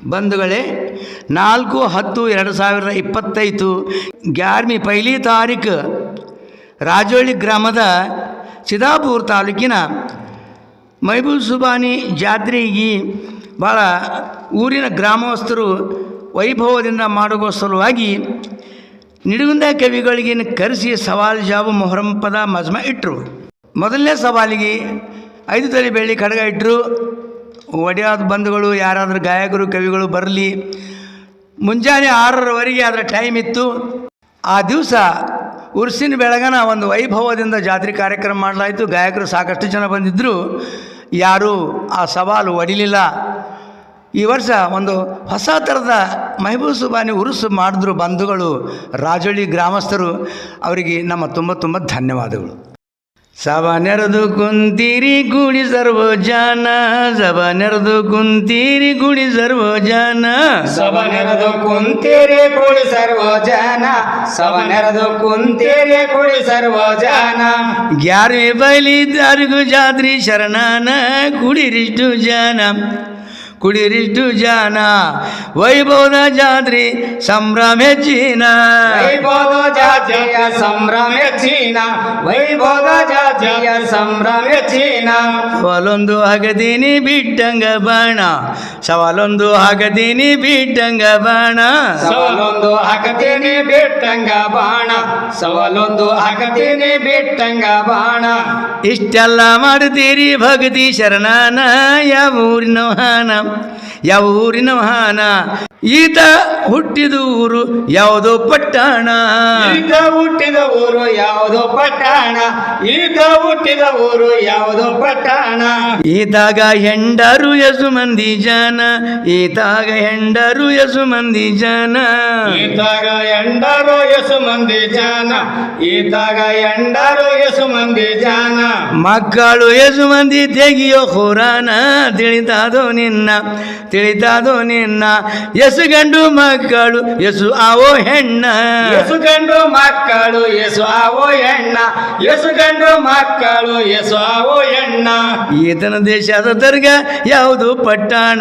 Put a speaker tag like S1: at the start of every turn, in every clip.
S1: ಬಂಧುಗಳೇ, 4/10/2025 11वीं पहिली ತಾರೀಕು ರಾಜೋಳಿ ಗ್ರಾಮದ ಸಿದ್ದಾಪುರ ತಾಲೂಕಿನ ಮೈಬೂಬ್ ಸುಬಾನಿ ಜಾತ್ರೆಗೆ ಭಾಳ ಊರಿನ ಗ್ರಾಮಸ್ಥರು ವೈಭವದಿಂದ ಮಾಡುವ ಸಲುವಾಗಿ ನಿಡುಗುಂದ ಕವಿಗಳಿಗೆ ಕರೆಸಿ ಸವಾಲು ಜಾಬು ಮೊಹರಂ ಪದ ಮಜ್ಮ ಇಟ್ಟರು. ಮೊದಲನೇ ಸವಾಲಿಗೆ 5 ತೊಲೆ ಬೆಳ್ಳಿ ಖಡ್ಗ ಇಟ್ಟರು. ಒಡೆಯಾದ ಬಂಧುಗಳು ಯಾರಾದರೂ ಗಾಯಕರು ಕವಿಗಳು ಬರಲಿ. ಮುಂಜಾನೆ 6:00ವರೆಗೆ ಅದರ ಟೈಮ್ ಇತ್ತು. ಆ ದಿವಸ ಉರ್ಸಿನ ಬೆಳಗನ ಒಂದು ವೈಭವದಿಂದ ಜಾತ್ರೆ ಕಾರ್ಯಕ್ರಮ ಮಾಡಲಾಯಿತು. ಗಾಯಕರು ಸಾಕಷ್ಟು ಜನ ಬಂದಿದ್ದರು. ಯಾರೂ ಆ ಸವಾಲು ಒಡಿಲಿಲ್ಲ. ಈ ವರ್ಷ ಒಂದು ಹೊಸ ಥರದ ಮೆಹಬೂಬ್ ಸುಬಾನಿ ಉರುಸು ಮಾಡಿದ್ರು ಬಂಧುಗಳು, ರಾಜೋಳಿ ಗ್ರಾಮಸ್ಥರು. ಅವರಿಗೆ ನಮ್ಮ ತುಂಬ ಧನ್ಯವಾದಗಳು. ಸಭ ನೆರೆದು ಕುಂತೀರಿ ಗುಡಿ ಸರ್ವ ಜಾನ, ಸಭ ನೆರೆದು ಕುಂತೀರಿ ಗುಡಿ ಸರ್ವ ಜಾನ,
S2: ಸಭ ನೆರೆದು ಕುಂತೀರಿ ಗುಡಿ ಸರ್ವ ಜಾನ, ಸಭ ನೆರೆದು ಕುಂತೀರಿ ಗುಡಿ ಸರ್ವ ಜಾನ.
S1: 11वीं पहिली ತಾರೀಕು ಜಾತ್ರೆ ಶರಣಾನ, ಕುಡಿರಿಷ್ಟು ಜಾನ ಕುಡಿರಿಷ್ಟು ಜಾನ, ವೈಭವದ ಜಾತ್ರೆ ಸಂಭ್ರಮ ಹೆಚ್ಚಿನ,
S2: ವೈಭವದ ಜಾತ್ರೆಯ ಸಂಭ್ರಮ ಹೆಚ್ಚಿನ, ವೈಭವದ ಜಾತ್ರೆಯ ಸಂಭ್ರಮ ಹೆಚ್ಚಿನ.
S1: ಸವಾಲೊಂದು ಹಾಕತೀನಿ ಬಿಟ್ಟಂಗ ಬಾಣ, ಸವಾಲೊಂದು ಹಾಕತೀನಿ ಬಿಟ್ಟಂಗ ಬಾಣ,
S2: ಸವಾಲೊಂದು ಹಾಕತೀನಿ ಬಿಟ್ಟಂಗ ಬಾಣ, ಸವಾಲೊಂದು ಹಾಕತೀನಿ ಬಿಟ್ಟಂಗ ಬಾಣ.
S1: ಇಷ್ಟೆಲ್ಲ ಮಾಡ್ತೀರಿ ಭಕ್ತಿ ಶರಣಾನ, ಯಾವ ಊರಿನ ವಾಹನ ಯಾವ ಊರಿನ ವಾಹನ, ಈತ ಹುಟ್ಟಿದ ಊರು ಯಾವುದೋ ಪಟ್ಟಣ,
S2: ಈತ ಹುಟ್ಟಿದ ಊರು ಯಾವುದೋ ಪಟ್ಟಣ, ಈತ ಹುಟ್ಟಿದ ಊರು ಯಾವುದೋ ಪಟ್ಟಣ.
S1: ಈತಾಗ ಹೆಂಡರು ಎಸು ಮಂದಿ ಜನ, ಈತಾಗ ಹೆಂಡರು ಎಸು ಮಂದಿ ಜನ,
S2: ಈತಾಗ ಎಂಡರು ಎಸು ಮಂದಿ ಜನ, ಈತಾಗ ಎಂಡರು ಎಸು ಮಂದಿ ಜನ.
S1: ಮಕ್ಕಳು ಎಸು ಮಂದಿ ತೆಗಿಯೋ ಖುರಾನ, ತಿಳಿತಾದೋ ನಿನ್ನ ತಿಳಿತಾದೋ ನಿನ್ನ, ಎಸು ಗಂಡು ಮಕ್ಕಳು ಎಸು ಆವೋ ಹೆಣ್ಣ,
S2: ಎಸು ಗಂಡು ಮಕ್ಕಳು ಎಸು ಆವೋ ಹೆಣ್ಣ, ಎಸು ಗಂಡು ಮಕ್ಕಳು ಎಸು ಆವೋ ಹೆಣ್ಣ.
S1: ಈತನ ದೇಶದ ದರ್ಗ ಯಾವುದು ಪಟ್ಟಣ,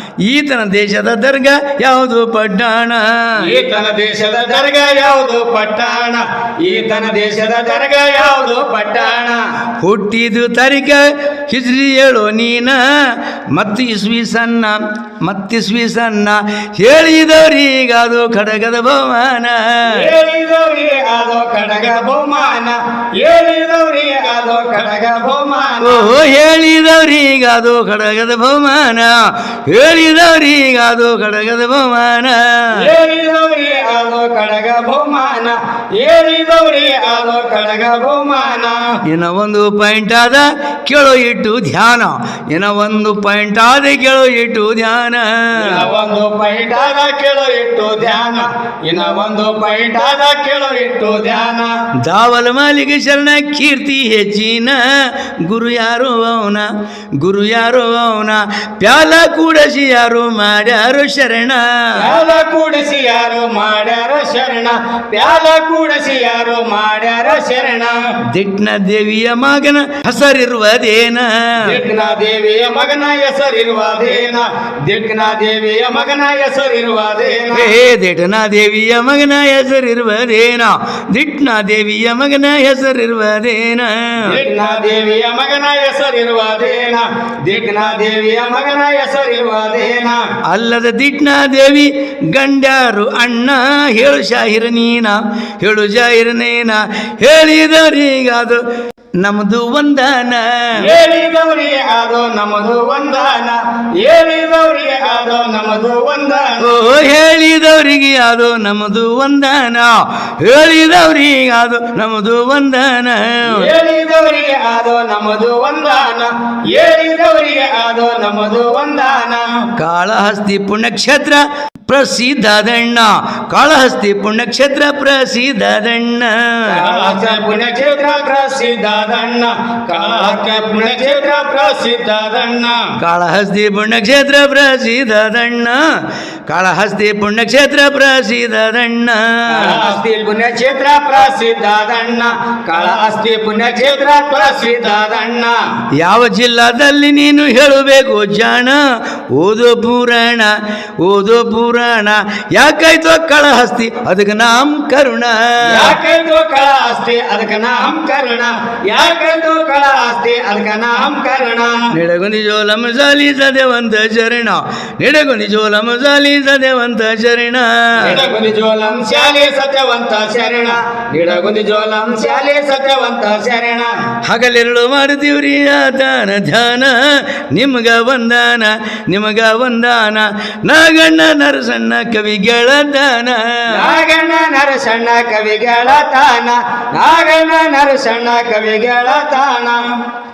S1: ಈತನ ದೇಶದ ದರ್ಗ ಯಾವುದು ಪಟ್ಟಣ,
S2: ಈತನ ದೇಶದ ದರ್ಗ ಯಾವುದು ಪಟ್ಟಣ, ಈತನ ದೇಶದ ದರ್ಗ ಯಾವುದು ಪಟ್ಟಣ.
S1: ಹುಟ್ಟಿದು ತಾರೀಕ ಹಿಜ್ರಿ ಹೇಳೋ ನೀನ, ಮತ್ತಿಸ್ವಿ ಸಣ್ಣ ಹೇಳಿದವರಿಗಾದು ಖಡ್ಗದ ಬಹುಮಾನ,
S2: ಹೇಳಿದವ್ರಿ ಅದು ಖಡ್ಗ ಬಹುಮಾನ, ಹೇಳಿದವ್ರಿ ಅದು ಖಡ್ಗ ಬಹುಮಾನ.
S1: ಓಹೋ ಹೇಳಿದವರಿಗಾದು ಖಡ್ಗದ ಬಹುಮಾನ, ಹೇಳಿದವರಿಗಾದು ಖಡ್ಗದ ಬಹುಮಾನ,
S2: ಹೇಳಿದವ್ರಿ ಅದು ಖಡ್ಗ ಬಹುಮಾನ, ಹೇಳಿದವ್ರಿ ಅದು ಖಡ್ಗ ಬಹುಮಾನ.
S1: ಇನ್ನ ಒಂದು ಪಾಯಿಂಟ್ ಆದ ಕೇಳೋ ಇಟ್ಟು ಧ್ಯಾನ, ಇನ್ನ ಒಂದು ಪಾಯಿಂಟ್ ಆದ ಕೇಳೋ ಇಟ್ಟು ಧ್ಯಾನ,
S2: ಒಂದು ಪೈಟ್ ಆದ ಕೇಳೋ ಇಟ್ಟು ಧ್ಯಾನ, ಇನ್ನ ಒಂದು ಪೈಟ್ ಆದ ಕೇಳೋ ಇಟ್ಟು ಧ್ಯಾನ.
S1: ದಾವಲ ಮಾಲಿಗೆ ಶರಣ ಕೀರ್ತಿ ಹೆಚ್ಚಿನ, ಗುರು ಯಾರು ಅವನ ಗುರು ಯಾರು ಅವನ, ಪ್ಯಾಲ ಕೂಡಸಿ ಯಾರು ಮಾಡ್ಯಾರು ಶರಣ,
S2: ಪ್ಯಾಲ ಕೂಡಿಸಿ ಯಾರು ಮಾಡ್ಯಾರ ಶರಣ, ಪ್ಯಾಲ ಕೂಡಿಸಿ ಯಾರು ಮಾಡ್ಯಾರ ಶರಣ.
S1: ದಿಟ್ನ ದೇವಿಯ ಮಗನ ಹೆಸರಿರುವುದೇನ,
S2: ದಿಕ್ನ ದೇವಿಯ ಮಗನ ಹೆಸರಿರುವುದೇನ, ದಿಕ್ನ ದೇವಿಯ ಮಗನ ಹೆಸರಿರುವುದೇನ.
S1: ದಿಟ್ನ ದೇವಿಯ ಮಗನ ಹೆಸರಿರುವುದೇನ, ದಿಟ್ನ ದೇವಿಯ ಮಗನ ಹೆಸರಿರುವುದೇನ,
S2: ದಿಕ್ನ ದೇವಿಯ ಮಗನ ಹೆಸರಿರುವುದೇನ, ದಿಕ್ನ ದೇವಿಯ ಮಗನ ಹೆಸರಿರುವುದೇನ.
S1: ಅಲ್ಲದ ದಿಟ್ನ ದೇವಿ ಗಂಡ್ಯಾರು ಅಣ್ಣ, ಹೇಳು ಶಾಹಿರ ನೀನ ಹೇಳು ಜಾಹಿರ ನೇನ, ಹೇಳಿದವರಿಗಾದು ನಮ್ದು ವಂದನ,
S2: ಹೇಳಿದವ್ರಿ ಅದು ನಮ್ಮದು ವಂದನ, ಹೇಳಿದವ್ರಿ ಅದು ನಮ್ಮದು ವಂದನ.
S1: ಓ ಹೇಳಿದವರಿಗೆ ಅದು ನಮ್ಮದು ವಂದನ, ಹೇಳಿದವರಿಗೆ ಅದು ನಮ್ಮದು ವಂದನ,
S2: ಹೇಳಿದವರಿಗೆ ಅದು ನಮ್ಮದು ವಂದನ, ಹೇಳಿದವರಿಗೆ ಅದು ನಮ್ಮದು ವಂದನ.
S1: ಕಾಳಹಸ್ತಿ ಪುಣ್ಯಕ್ಷೇತ್ರ ಪ್ರಸಿದ್ಧದಣ್ಣ, ಕಾಳಹಸ್ತಿ ಪುಣ್ಯಕ್ಷೇತ್ರ ಪ್ರಸಿದ್ಧದಣ್ಣ,
S2: ಪುಣ್ಯಕ್ಷೇತ್ರ ಪ್ರಸಿದ್ಧದಣ್ಣ, ಕಾಳಹಸ್ತಿ ಪುಣ್ಯಕ್ಷೇತ್ರ ಪ್ರಸಿದ್ಧದಣ್ಣ,
S1: ಕಾಳಹಸ್ತಿ ಪುಣ್ಯಕ್ಷೇತ್ರ ಪ್ರಸಿದ್ಧದಣ್ಣ, ಕಾಳಹಸ್ತಿ ಪುಣ್ಯಕ್ಷೇತ್ರ ಪ್ರಸಿದ್ಧದಣ್ಣ
S2: ಕಾಳಹಸ್ತಿ ಪುಣ್ಯಕ್ಷೇತ್ರ ಪ್ರಸಿದ್ಧದಣ್ಣ ಕಾಳಹಸ್ತಿ ಪುಣ್ಯಕ್ಷೇತ್ರ ಪ್ರಸಿದ್ಧದಣ್ಣ
S1: ಯಾವ ಜಿಲ್ಲಾದಲ್ಲಿ ನೀನು ಹೇಳಬೇಕು ಜಾಣ ಓದೋ ಪುರಾಣ ಯಾಕಾಯ್ತು ಕಾಳಹಸ್ತಿ ಅದಕ್ಕೆ ನಾಮಕರಣ
S2: ಯಾಕಂದು ಕಾಳಹಸ್ತಿ ಅದಕ್ಕೆ ನಾಮಕರಣ ಯಾಕಂದು ಕಾಳಹಸ್ತಿ ಅದಕ್ಕೆ ನಾಮಕರಣ
S1: ನಿಡಗುಂದಿ ಜೋಲಂ ಜಾಲಿ ಸದೇವಂತ ಶರಣ ನಿಡಗುಂದಿ ಜೋಲಂ ಜಾಲಿ ಸದೇವಂತ ಶರಣ
S2: ನಿಡಗುಂದಿ ಜೋಲಂ ಶಾಲೆ ಸತ್ಯವಂತ ಶರಣ ನಿಡಗುಂದಿ ಜೋಲಂ ಶಾಲೆ ಸತ್ಯವಂತ ಶರಣ
S1: ಹಗಲಿರುಳು ಮಾಡ್ತೀವ್ರಿ ದಾನ ಧ್ಯಾನ ನಿಮ್ಗ ವಂದಾನ ನಾಗಣ್ಣ ನರಸಣ್ಣ ಕವಿಗಳ ದಾನ
S2: ನಾಗಣ್ಣ ನರಸಣ್ಣ ಕವಿಗಳ ತಾನ ನಾಗಣ್ಣ ನರಸಣ್ಣ ಕವಿಗಳ ತಾನ